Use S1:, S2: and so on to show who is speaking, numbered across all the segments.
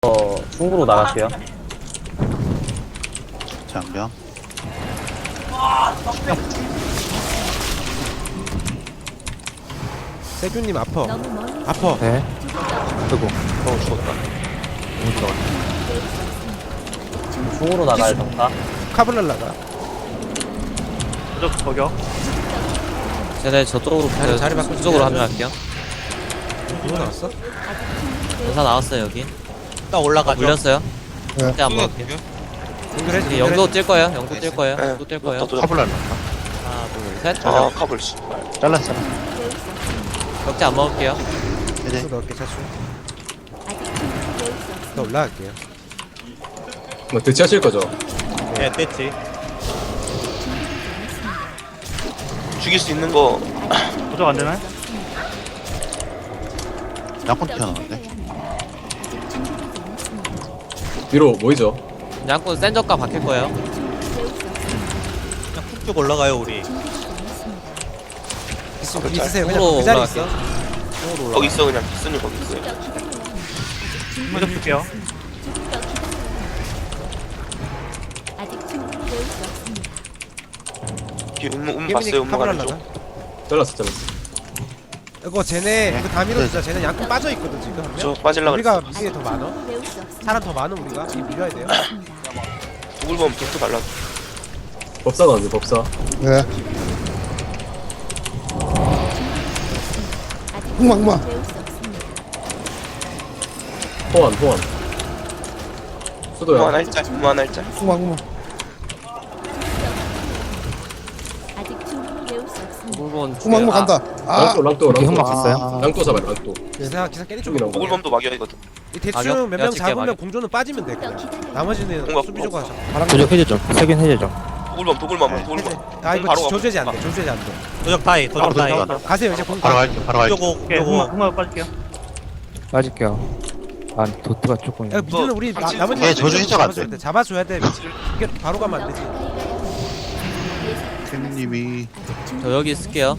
S1: 중으로 나갈게요.
S2: 장병.
S3: 세균님 아퍼.
S4: 너무 멀리
S3: 아퍼.
S5: 네. 아이고.
S2: 죽었다.
S1: 중으로 나가요, 정타.
S3: 카블랄라가.
S6: 쟤네 저쪽으로
S3: 자리 바꿔
S6: 저쪽으로 합류할게요.
S3: 누구 나왔어?
S6: 전사 나왔어요 여기.
S7: 딱 올라가죠.
S6: 물렸어요.
S5: 네.
S6: 그때 안 먹을게요.
S3: 연결해.
S6: 이제 영도 뛸 거예요. 영도 뛸 거예요.
S2: 네.
S6: 영도 뛸 거예요.
S2: 카블랄.
S6: 하나, 둘, 셋.
S2: 아, 카블 씨. 잘랐어.
S6: 격자 안 먹을게요.
S2: 이제
S3: 또 넣을게 차수.
S4: 아직 충분히 배울 수 없습니다.
S3: 나 올라갈게요.
S5: 뭐 대치하실 거죠?
S7: 예, 됐지.
S2: 죽일 수 있는 거
S4: 도적 안 되나요?
S2: 양꾼 튀어나오는데.
S5: 뒤로 모이죠.
S6: 양꾼 센 적과 바뀔 거예요.
S7: 그냥 푹쭉 올라가요, 우리.
S3: 있으세요. 그냥
S6: 중으로
S3: 그 자리
S6: 올라갈게요.
S3: 있어.
S2: 거기 있어 그냥 기순이 거기 있어요.
S4: 먼저 줄게요. 아직 충분히 배울 수 없습니다.
S3: 깨민이 카블랄라가.
S5: 잘랐어.
S3: 이거 쟤네 이거 다 밀어주자. 쟤네 양꾼 빠져 있거든 지금 한 명.
S2: 저 빠질라
S3: 우리가
S2: 그랬어.
S3: 미드에 더 많아.
S4: 충분히 배울 수 없습니다.
S3: 사람 더 많아 우리가. 지금 밀어야 돼요.
S2: 누굴 보면 빅도 달라.
S5: 법사가 언제 법사?
S8: 네.
S4: 아직
S8: 흑막마.
S4: 충분히 배울 수 없습니다.
S5: 호환. 수도야.
S2: 무한할자.
S8: 흑막마.
S4: 아직 충분히 배울 수 없습니다.
S6: 물론
S8: 흑막마 간다. 아,
S5: 랑또.
S1: 흑막 있어요?
S5: 랑또 잡아요. 랑또.
S3: 기사 깨리 쪽.
S5: 쪽이랑
S2: 누굴 도 막여이거든.
S3: 이 대충
S6: 막여?
S3: 몇
S6: 내가
S3: 명
S6: 칠게,
S3: 잡으면
S6: 막여.
S3: 공조는 빠지면 돼 그냥. 나머지는
S2: 공각,
S3: 수비적으로 하자.
S1: 도적 해제 좀. 세균 해제 좀.
S2: 도굴범.
S3: 아 이거
S2: 바로
S3: 조제지 안 돼. 조제지 안 돼.
S7: 도적 타이, 도적 타이.
S3: 가세요 이제 공.
S2: 바로 갈게. 바로 갈게.
S7: 요거,
S1: 빠질게요. 아, 도트가 조금.
S3: 야 미드는 우리
S2: 당신-
S3: 나머지
S2: 네, 저주 해제가 안 돼.
S3: 잡아줘야 돼. 이게 바로 가면 안 되지.
S2: 캔님이
S6: 저 여기 있을게요.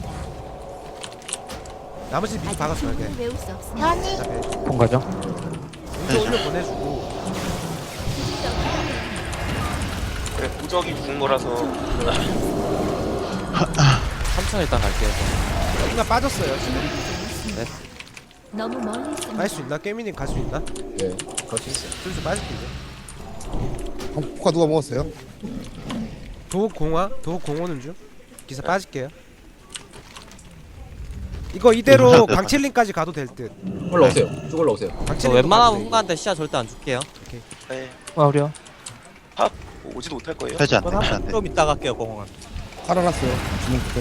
S3: 나머지 미드 박아줘야 돼.
S4: 충분히 배울 수 없습니다.
S1: 폰 가죠?
S3: 공조 올려 보내주고.
S2: 그래 부적이 죽은 거라서
S6: 3천 일단 갈게요.
S3: 여기가 빠졌어요 지금.
S4: 너무 멀리 있습니다.
S3: 갈 수 있나? 깨미님 갈 수 있나?
S5: 네. 같이 있어.
S3: 슬슬 빠질게 이제.
S8: 포카 누가 먹었어요?
S3: 도공호는 중. 기사 빠질게요. 이거 이대로 강칠링까지 가도 될 듯.
S5: 올라오세요. 쭉 올라오세요.
S6: 저
S3: 강칠링
S6: 웬만하면 hun가한테 시야 절대 안 줄게요.
S2: 네,
S1: 어려.
S2: 오지도 못할 거예요. 되지 않네.
S7: 좀 이따 갈게요, 공항은.
S8: 깔아놨어요. 주문부터.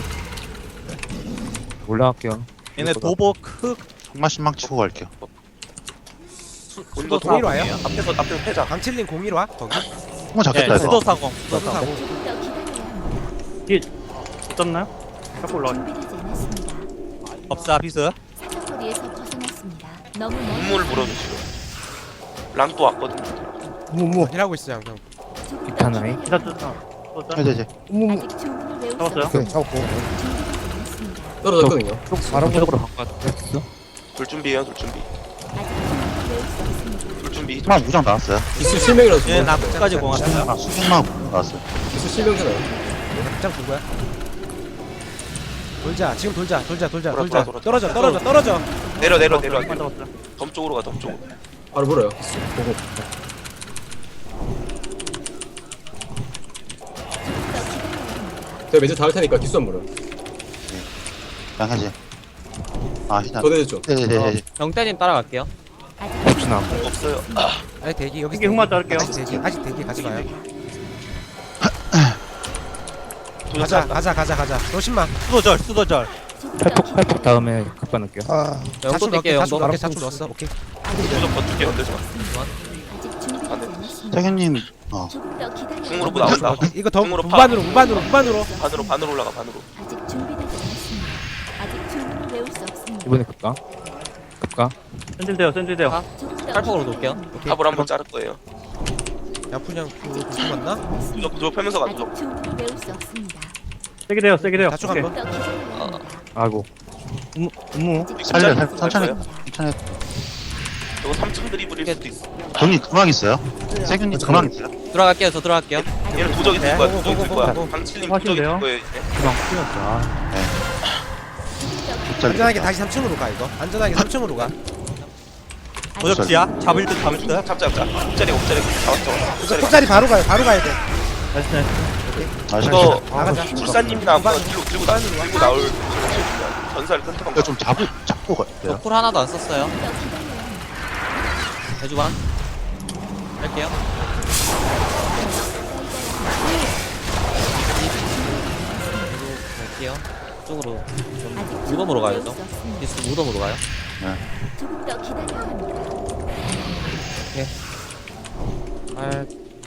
S1: 올라갈게요.
S7: 얘네 도복, 흑,
S2: 정말 신망 치고 갈게요.
S3: 수도 동일 와요?
S2: 앞에서 패자.
S3: 강칠링 01와 거기.
S2: 한번
S7: 예,
S2: 잡겠다 이거.
S7: 수도사공.
S3: 너도 사고.
S4: 조금 더 기다려야 합니다.
S7: 떴나요?
S4: 준비되지 않았습니다.
S7: 법사 비스.
S4: 사정거리에서 벗어났습니다. 너무 멀리
S2: 눈물을 물어주시고. 랑또 왔거든.
S8: 무무.
S3: 일하고 있어요 형.
S4: 조금 더
S1: 이타나이.
S4: 기다려야
S2: 이제
S8: 무무.
S4: 아직 충분히 배울 수 없습니다.
S8: 오케이, 잡았고.
S4: 준비되지 않았습니다.
S5: 떨어졌거든요.
S1: 바람적으로 바꿔.
S2: 돌 준비해요. 돌 준비.
S4: 아직 충분히 배울 수 없습니다.
S2: 돌 준비. 마 무장 나왔어요.
S5: 기수 실명이라서.
S7: 얘 나 끝까지 공항.
S2: 수중마 나왔어요.
S5: 기수 실명잖아요.
S3: 장 누구야? 돌자 지금 돌자.
S2: 돌아.
S3: 떨어져.
S2: 내려. 덤 쪽으로 가. 덤 쪽으로.
S5: 바로 물어요. 기수. 보고. 제가 매주 다 할 테니까 기수 한 물어.
S2: 양해지. 아 희나.
S5: 더 내줬죠.
S2: 네네네.
S6: 영대님 따라갈게요.
S4: 아직
S1: 혹시나.
S2: 없어요.
S3: 아니 대기 여기 이게 흑마 자를게요. 아직 대기 가지 마요. 가자. 너 10만.
S7: 수도절.
S1: 팔폭 다음에 각바 넣을게요.
S8: 아,
S6: 영도 뛸게요.
S3: 자주
S6: 영도.
S3: 넣게 자주 넣었어. 오케이.
S2: 무적 버틸게 건들지 마.
S4: 아직 준비되지 않았습니다.
S2: 태균님
S4: 조금 더 기다려야
S2: 중으로
S4: 합니다.
S2: 나온다.
S3: 이거 더
S2: 중으로
S3: 무반으로.
S2: 반으로 올라가. 반으로.
S4: 아직 준비되지 않았습니다. 아직 충분히 배울 수 없습니다.
S1: 이번에 각바.
S6: 센질돼요.
S4: 조금 더
S6: 팔폭으로
S4: 기다려야
S6: 놓을게요.
S4: 합니다.
S2: 탑을 한번 자를 거예요.
S3: 야푼양 그 맞나?
S2: 무적 펴면서 가죠.
S4: 아직 충분히 배울 수 없습니다.
S3: 세게 돼요. 자축 한 번.
S4: 더 기다려야 합니다.
S1: 아이고.
S4: 아직
S2: 살려,
S4: 준비되지
S2: 천천히.
S4: 않았습니다.
S2: 괜찮아요. 이거 3층 드리블이 일 수도 있어.
S9: 돈이 중앙 있어요? 세균이 중앙 있어요?
S6: 들어갈게요. 저 들어갈게요.
S2: 얘는 도적이 될 거야.
S3: 보고,
S2: 도적이 될
S3: 보고,
S2: 거야.
S3: 보고.
S2: 강칠님 도적이 될
S7: 하신대요?
S2: 거예요. 이제.
S1: 그만 풀렸어.
S3: 안전하게 다시 3층으로 가 이거. 안전하게 3층으로 가.
S7: 도적지야? 잡을 듯 잡을 듯.
S2: 잡자. 옵자리 잡았죠. 옵자리.
S3: 톱자리 바로 가요. 바로 가야 돼.
S7: 나이스 나이스.
S9: 아,
S2: 이거
S3: 나가자.
S2: 출사님이나 아무나 들고 나올 전사를 끊고
S9: 이거 좀 잡고 가야 돼요.
S6: 쿨 하나도 안 썼어요. 대주방. 할게요. 갈게요. 이쪽으로 좀 무덤으로 가야죠. 디스 무덤으로 가요.
S4: 조금 더 기다려야 합니다.
S6: 알,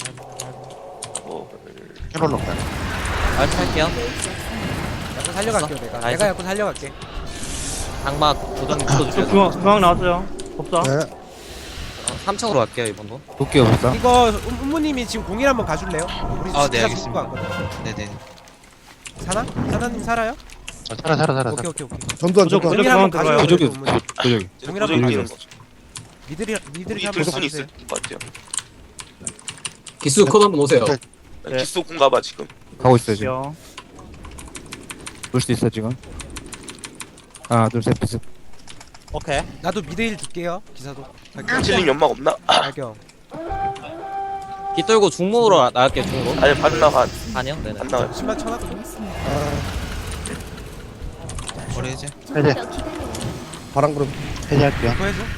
S9: 캐롤로 가요.
S6: 알 할게요.
S3: 약간 살려갈게요 내가.
S6: 나이스.
S3: 내가 약간 살려갈게.
S6: 장막 고정
S7: 저
S6: 묶어주세요.
S7: 중앙 나왔어요. 법사.
S8: 네.
S6: 3층으로 갈게요 이번도.
S1: 도끼 없어.
S3: 이거 음무님이 지금 공일 한번 가줄래요? 우리
S10: 아, 네,
S3: 진짜
S10: 알겠습니다.
S3: 죽고 왔거든.
S10: 네네.
S3: 사나? 사나님 살아요?
S9: 살아.
S3: 오케이.
S8: 전두환
S7: 도적,
S8: 전두환.
S3: 공일 한번
S7: 들어가요.
S3: 가줘요.
S1: 도적이
S3: 음무님.
S1: 없어. 도적이.
S3: 동일한
S2: 도적이
S3: 거
S2: 이기는
S3: 가주세요.
S2: 거.
S3: 미들이
S2: 우리
S3: 한번
S2: 들 수는
S3: 가주세요.
S2: 있을 것 같아요.
S5: 기수 컷 한번 오세요.
S7: 네.
S2: 기수 공 가봐 지금.
S1: 가고 있어요 지금.
S7: 요.
S1: 볼 수 있어 지금. 하나 둘셋 비스.
S7: 오케이.
S3: 나도 미드일 줄게요. 기사도.
S2: 강칠님 연막 없나?
S3: 발경.
S6: 기 떨고 중목으로 나갈게요 중목.
S2: 아니 반나 반.
S6: 아니요. 네네.
S2: 안 나와요.
S3: 10만 천원.
S10: 머리 해제.
S4: 조금 더 기다려야 합니다.
S8: 바람 그럼.
S9: 해제할게요.
S3: 그거 해줘.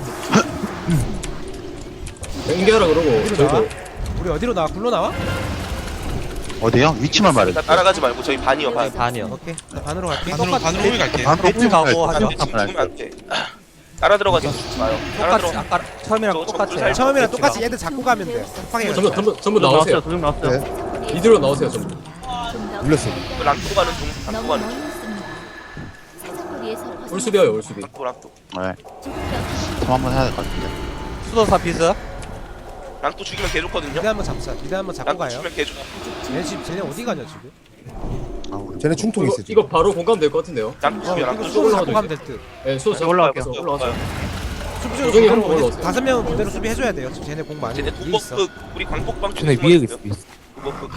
S5: 연기하라 그러고
S3: 어디로 나와?
S5: 저희도
S3: 우리 어디로 나와? 굴로 나와?
S9: 어디요? 위치만
S2: 나
S9: 말해주세요.
S2: 따라가지 말고 저희 반이요 반.
S6: 반이요.
S3: 오케이. 나 반으로 갈게.
S10: 반으로 호일 갈게요.
S9: 반으로
S7: 배트 가고 하죠.
S2: 지금 죽으면 안 돼. 따라 들어가지 마요. 따라
S7: 똑같이
S2: 들어.
S7: 아까 처음이랑
S2: 저
S7: 똑같이.
S2: 살-
S3: 처음이랑 똑같이 얘들 잡고 가면 돼. 쿠팡에
S5: 전부 나오세요.
S7: 도적 나왔어요.
S8: 네.
S5: 이대로 나오세요 전부.
S4: 좀더
S8: 물렸어.
S2: 랑토 가는 중. 랑토
S4: 너무
S2: 가는
S4: 멀리
S2: 중.
S4: 있습니다. 사정거리에서
S5: 올수비어요 올수비.
S2: 랑토.
S9: 네.
S4: 조금 더
S9: 저 한번 해야 될 것 같은데.
S7: 수도사 비스.
S2: 랑토 죽이면 개 좋거든요.
S3: 미드 한번 잡자. 미드 한번 잡고
S2: 랑토
S3: 가요.
S2: 죽이면 개 좋.
S3: 쟤네 어디 가냐 지금?
S9: 아, 우리
S8: 쟤네 충통이 있어 지금.
S5: 이거 바로 공감 될 것 같은데요.
S2: 랑토 죽이면
S3: 이거
S2: 랑토
S3: 수도
S2: 죽이면
S3: 잡고 가면 될 듯.
S5: 네, 수호 잡고
S7: 올라갈게요.
S5: 올라와서.
S3: 수비
S5: 조정이 한번 올라오세요.
S3: 5명은 그대로 수비해줘야 돼요. 지금 쟤네 공 많이
S2: 쟤네
S3: 위에 있어.
S2: 도버프 우리 광폭방 쪽에
S1: 쟤네
S2: 숨어
S1: 위에
S2: 있어요.
S1: 있어.
S2: 도버프.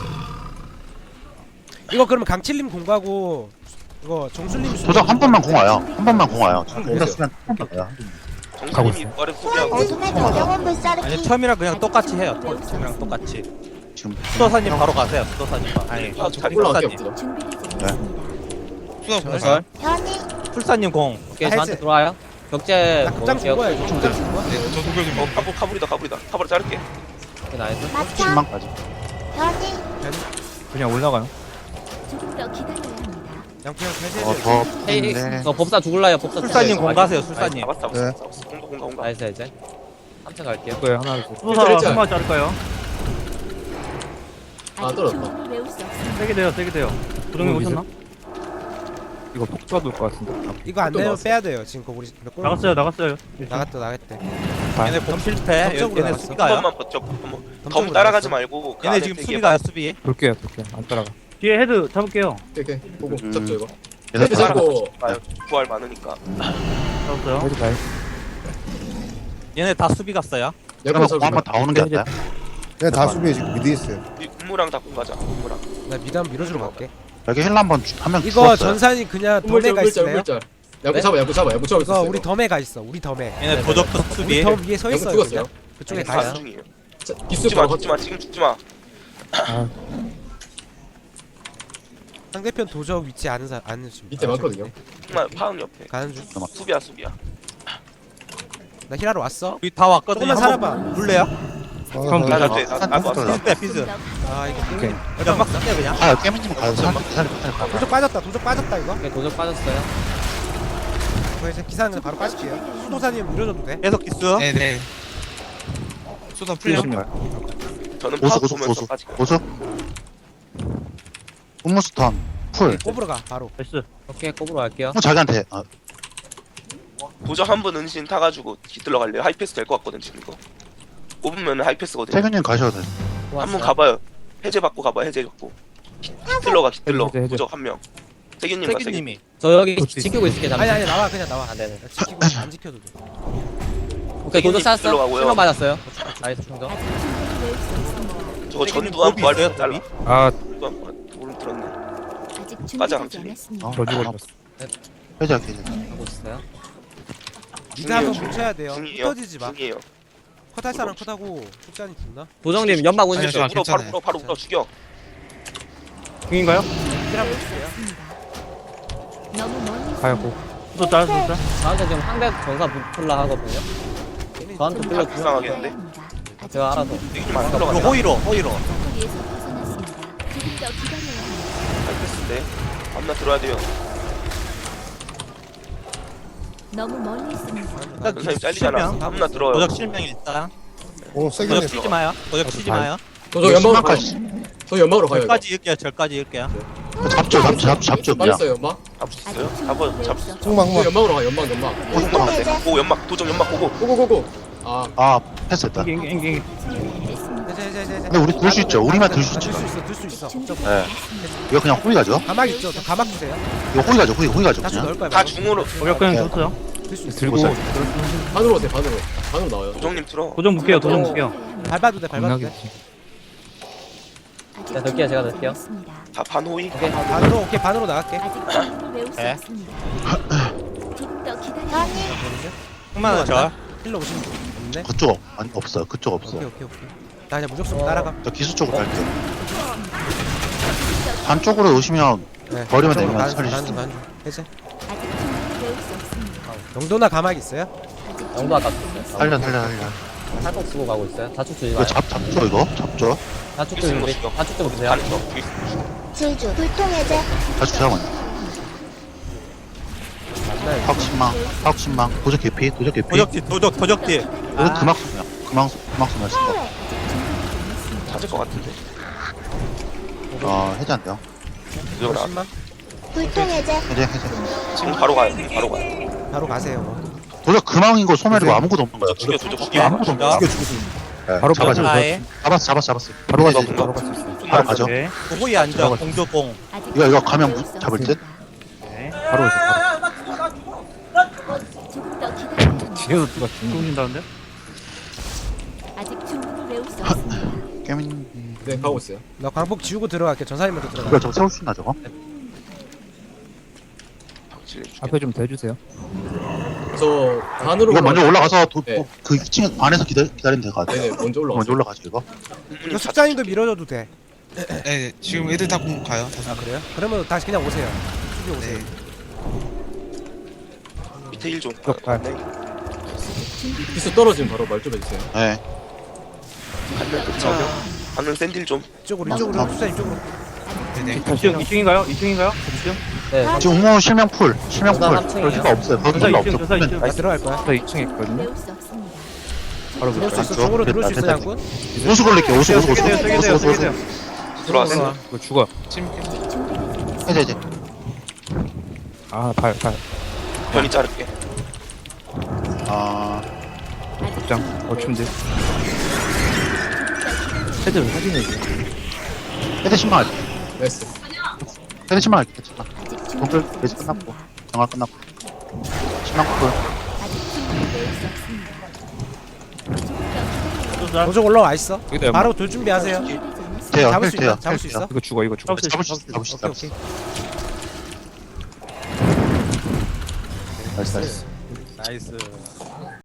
S3: 이거 그러면 강칠님 공 가고 이거 정술님 수비.
S9: 도적 한 번만 공 와요. 한 번만 공 와요.
S5: 오세요.
S9: 이랬으면 가요.
S2: 정신님이 말을 소개하고
S7: 아니 처음이랑 그냥 똑같이 해요. 처음이랑 똑같이.
S9: 지금
S7: 수도사님 바로 가세요. 수도사님. 아니
S2: 잘
S5: 올라갈게요.
S7: 풀사님.
S4: 준비되지 않았습니다.
S10: 수업
S7: 풀사님 공.
S6: 오케이 저한테 들어와요. 격제
S3: 나 극장 준 거야 이거. 극장 준 거야.
S10: 네, 저 도벽이 뭐.
S2: 카불이다. 카불 자를게.
S6: 나이스.
S9: 10만까지.
S1: 그냥 올라가요.
S4: 조금 더 기다려야 합니다.
S3: 양피형 해제해야 돼.
S9: 더
S6: 헤이
S9: 푸는데.
S6: 저 법사 죽을라요. 법사
S7: 술사님
S6: 죽을라요.
S7: 공 가세요. 술사님.
S2: 잡았어.
S8: 네.
S2: 공가.
S6: 나이스 이제. 3층 갈게요.
S1: 이거에 하나 둘.
S7: 수도사
S5: 일자.
S7: 한번 자를까요?
S3: 아,
S4: 아직 주문을 외울 수 없습니다.
S7: 세게 돼요. 세게 돼요. 도정이 오셨나?
S1: 이거 폭주가 돌것 같은데.
S3: 이거 안
S5: 또
S3: 되면
S5: 나왔어.
S3: 빼야 돼요. 지금 거 우리 몇 골?
S7: 나갔어요.
S3: 나갔대.
S7: 얘네 공 실패.
S3: 덤쪽으로
S7: 얘네
S3: 나갔어.
S7: 수비
S2: 한
S7: 가요.
S2: 번만 버텨. 너무
S3: 덤쪽으로
S2: 따라가지
S3: 나갔어.
S2: 말고. 그
S7: 얘네
S2: 안에
S7: 지금
S2: 되게
S7: 수비 가요. 수비.
S1: 돌게요. 안 따라가.
S7: 뒤에 헤드 잡을게요.
S5: 오케이 보고 잡죠 이거.
S9: 얘들
S5: 헤드 잡고
S2: 봐요. 부활 많으니까.
S7: 잡았어요.
S1: 헤드 가요.
S7: 얘네 다 수비 갔어요.
S9: 그러면
S5: 잡고
S9: 공 한번 다 오는 게 낫나요?
S8: 그냥 다 수비해 지금 미드 있어요.
S2: 우리 군무랑 다 공가자. 군무랑.
S3: 나 미드 한번 밀어주러 갈게.
S9: 여기 힐러 한번 한명
S3: 이거 전산이 그냥 덤에 가 있을래요?
S5: 물짤. 야구 잡아 야구 잡아.
S3: 이거 우리 덤에 가 있어. 우리 덤에.
S7: 얘네 도적도
S3: 우리
S7: 수비.
S3: 덤 위에 서
S5: 야구
S3: 있어요.
S5: 죽었어요.
S3: 그냥. 그쪽에 가
S6: 가요.
S3: 있어.
S2: 중이에요.
S5: 기수
S2: 죽지 마.
S5: 바로
S2: 죽지 마. 지금 죽지 마.
S3: 상대편 도적 위치 아는 중.
S5: 밑에 많거든요.
S2: 정말 파흥 옆에.
S3: 가는 중.
S2: 수비야.
S3: 나 힐하러 왔어.
S7: 우리 다 왔거든요.
S3: 조금만 살아봐.
S7: 물래요?
S1: 그럼
S2: 나
S1: 도적.
S2: 갑자기 나도 왔어.
S7: 비스 빼 비스.
S3: 아 이거
S1: 오케이.
S7: 연막 쓸게요 그냥.
S9: 아, 깨민님 가서 살려.
S3: 도적 빠졌다. 도적 빠졌다 이거.
S6: 오케이 도적 빠졌어요.
S3: 이거 이제 기사는 바로 빠질게요. 수도사님 밀어줘도 돼.
S7: 계속 기수.
S10: 네네. 수다 풀려.
S2: 저는
S9: 고수
S2: 파악
S9: 고수
S2: 보면서
S9: 고수
S2: 빠지고.
S9: 고수. 음무스턴 풀.
S3: 꼽으러 가 바로.
S7: 나이스.
S6: 오케이 꼽으로 갈게요.
S9: 자기한테
S2: 도적 한 분 은신 타가지고 깃들러 갈래요. 하이패스 될 것 같거든 지금 이거. 5분면 하이패스거든요.
S9: 세균님 가셔도 돼.
S2: 한 번 가봐요. 해제 받고 가봐. 해제 받고. 깃들러.
S1: 해제.
S2: 도적 한 명. 세균님 가. 세균.
S7: 세균님이.
S6: 저 여기 지키고 있을게 잠시.
S3: 아니 나와 그냥 나와.
S6: 아 네네.
S3: 야, 지키고 안 지켜도 돼.
S6: 오케이 도전
S2: 들어가고요.
S6: 쌓았어. 실명 맞았어요. 나이스 충전.
S4: 아직 충분히 외울 수 없습니다.
S2: 저거 전두환 부활
S7: 있어요,
S2: 잘라.
S1: 아,
S2: 전두환 부활 오른 들었네.
S4: 아직
S2: 맞아,
S4: 준비되지
S2: 감독님.
S4: 않았습니다.
S1: 저 죽었어.
S9: 해제 해제.
S6: 하고 있어요.
S3: 미드 한번
S2: 중이에요,
S3: 뭉쳐야 돼요.
S2: 중이에요.
S3: 흩어지지 마.
S2: 중이에요.
S3: 컷할 사람 컷하고 숙자니 죽나?
S6: 도정님 연막
S10: 아니요,
S6: 오실
S10: 저
S6: 때.
S2: 바로
S10: 괜찮아요.
S2: 바로 죽여.
S1: 중인가요?
S4: 외울 수 없습니다. 너무 멀리
S1: 가야고.
S7: 또 짤, 또 짤.
S6: 저한테 지금 상대 전사 부풀라 하거든요. 저한테
S2: 다
S6: 불러
S2: 불쌍하겠는데?
S6: 제가 알아서.
S2: 만
S7: 이거
S2: 들어간다.
S7: 호이로, 호이로.
S4: 거리에서 벗어났습니다. 조금 더 기다려야 합니다.
S2: 하이패스인데. 앞나 들어야 돼요.
S4: 너무 멀리 있습니다.
S2: 전사님 잘리잖아. 앞나 들어요.
S7: 도적 실명 일단.
S8: 오 세게
S7: 도적
S8: 냈어.
S7: 치지 마요. 도적 치지 마요.
S5: 저 연막으로 가요.
S9: 신망까지.
S5: 저 연막으로 가요. 이거.
S7: 절까지 읽게요. 절까지 읽게요.
S9: 잡죠 그냥.
S5: 맞았어요 연막.
S2: 잡을 수 있어요?
S4: 아직
S2: 잡아,
S4: 충분히
S2: 잡을
S4: 외울
S2: 수
S4: 수
S2: 있어.
S8: tung
S5: 저 연막으로 가 연막.
S2: 연막 안 돼. 오, 연막. 도적 연막 보고.
S5: 고고고고. 아
S9: 아 패스했다.
S4: 없습니다.
S3: 해제.
S9: 근데 우리 들 수 있죠. 우리만 들 수 있죠.
S3: 들수 있어.
S9: 네. 이거 그냥 호위 가죠.
S3: 가막 있죠? 저 가막 주세요.
S9: 이거 호위 가죠. 호위 가죠.
S3: 다시
S9: 그냥.
S3: 넣을 거야.
S2: 다 중으로.
S1: 저격 그냥
S9: 네.
S1: 줬어요.
S3: 들수 있어.
S1: 들고.
S5: 반으로 오세요 반으로. 반으로 나와요.
S2: 도적님 들어.
S1: 도전 볼게요, 도전 볼게요.
S3: 밟아도 돼. 밟아도 돼.
S1: 겁나겠지.
S6: 제가 넣을게요, 제가 넣을게요.
S2: 다 반호이.
S3: 반으로 오케이 반으로 나갈게.
S4: 아직 충분히 외울 수
S7: 네.
S4: 없습니다. 조금 더 기다려야 합니다.
S7: 흑마는 절.
S3: 힐러 오시면 없네.
S9: 그쪽 아니 없어요. 그쪽 없어요.
S3: 오케이. 나 그냥 무적수로 따라가.
S9: 저 기수 쪽으로 갈게요. 반쪽으로 오시면
S3: 네.
S9: 버리면
S3: 저쪽으로
S9: 되면
S3: 가는
S9: 살릴
S3: 중,
S9: 수
S3: 가는 중. 해제.
S4: 아직 충분히 외울 수 없습니다.
S3: 영도나 가막 있어요?
S4: 아직
S6: 영도 아까
S9: 살려.
S6: 탈곡 쓰고 가고 있어요. 다축 주지
S9: 이거
S6: 마요.
S9: 잡죠 이거 잡죠.
S6: 다축
S2: 쓰는
S6: 좀
S2: 거
S6: 우리.
S2: 죽여.
S6: 다축 좀 보세요.
S2: 가는 거. 뒤에
S4: 질주 불통해제
S9: 다시 잠깐만. 파욱 신망 도적 개피.
S7: 도적지, 도적지.
S9: 이거 그막 쓰면 그막 쓰면 쓴다.
S2: 찾을 것 같은데.
S9: 해제 안 돼요.
S2: 도적 나.
S3: 10만?
S4: 불통해제
S9: 해제.
S2: 지금 바로 가요. 바로 가요.
S3: 바로 가세요.
S9: 도적 금왕인 거 소멸이고 아무것도 없는 거야.
S2: 죽여, 도적 죽여.
S9: 아무것도 없는 거야. 네,
S1: 바로
S9: 잡아줘.
S1: 가요.
S9: 잡았어.
S1: 바로
S9: 해제.
S1: 가서 바로 갈수 있어요.
S9: 바로 가죠.
S7: 호이 앉아. 공조공.
S9: 이거 가면 잡을 듯?
S1: 바로 오세요.
S4: 조금 더 기다려야 합니다.
S1: 뒤에서 누가 죽는다는데?
S4: 아직 충분히 외울 수 없습니다.
S9: 깨민.
S5: 네 가고 있어요.
S3: 나 광복 지우고 들어갈게. 전사님 먼저 들어가.
S9: 이거 저거 세울 수 있나 저거?
S1: 앞에 좀 대주세요.
S5: 저 반으로.
S9: 이거 먼저 올라가서
S5: 네.
S9: 그 2층 안에서 기다리면 될 것 같아요.
S5: 네네 먼저 올라가.
S9: 먼저 올라가죠 이거.
S3: 이거 숙자님도 밀어줘도 돼.
S10: 네, 지금 애들 다 공 가요.
S3: 아 그래요? 그러면 다시 그냥 오세요. 수비 오세요.
S10: 네.
S2: 밑에 1 좀.
S1: 쪽 발.
S5: 기수 떨어지면 바로 말 좀 해주세요.
S9: 네.
S2: 가면 끝이야. 가면 샌딜 좀.
S3: 이쪽으로 숙자님 쪽으로.
S10: 네네.
S1: 2층인가요? 2층인가요? 2층?
S6: 네.
S9: 지금 웅호 실명 풀.
S6: 전사
S9: 그럴
S6: 3층이에요.
S9: 필요가 없어요. 거기
S1: 전사
S9: 필요
S1: 2층,
S9: 없어.
S1: 전사 2층.
S3: 나 들어갈 거야.
S1: 저 2층에 있거든요.
S4: 외울 수 없습니다.
S1: 바로
S3: 들어올 수
S1: 볼까요?
S3: 있어. 쪽으로 들어올 수 있어,
S9: 됐다.
S3: 양꾼?
S9: 오수 걸릴게요. 오수.
S1: 세게 돼요.
S2: 들어왔어.
S1: 이거 죽어.
S10: 지금
S4: 아직 준비되지 않았습니다.
S9: 해제.
S1: 아, 발.
S2: 변이 자를게.
S4: 아직
S1: 입장. 어춤지. 헤드 왜 사진이지?
S9: 해제 신망 할게.
S5: 나이스.
S9: 해제 신망 할게. 해제 신망.
S4: 아직
S9: 동글
S4: 준비되지
S9: 매직
S4: 않았습니다.
S9: 끝났고. 정화 끝났고. 신망 풀.
S4: 아직 충분히 외울 수 없습니다. 조금 더 기다려야
S3: 도적 올라와 있어.
S1: 여기다
S3: 바로 돌 준비하세요.
S4: 준비되지 않았습니다.
S9: 돼요.
S3: 잡을 수
S9: 돼요.
S3: 있나? 잡을 수 있어?
S1: 이거 죽어.
S9: 잡을 수 있어.
S3: 오케이.
S9: 나이스.
S7: 나이스.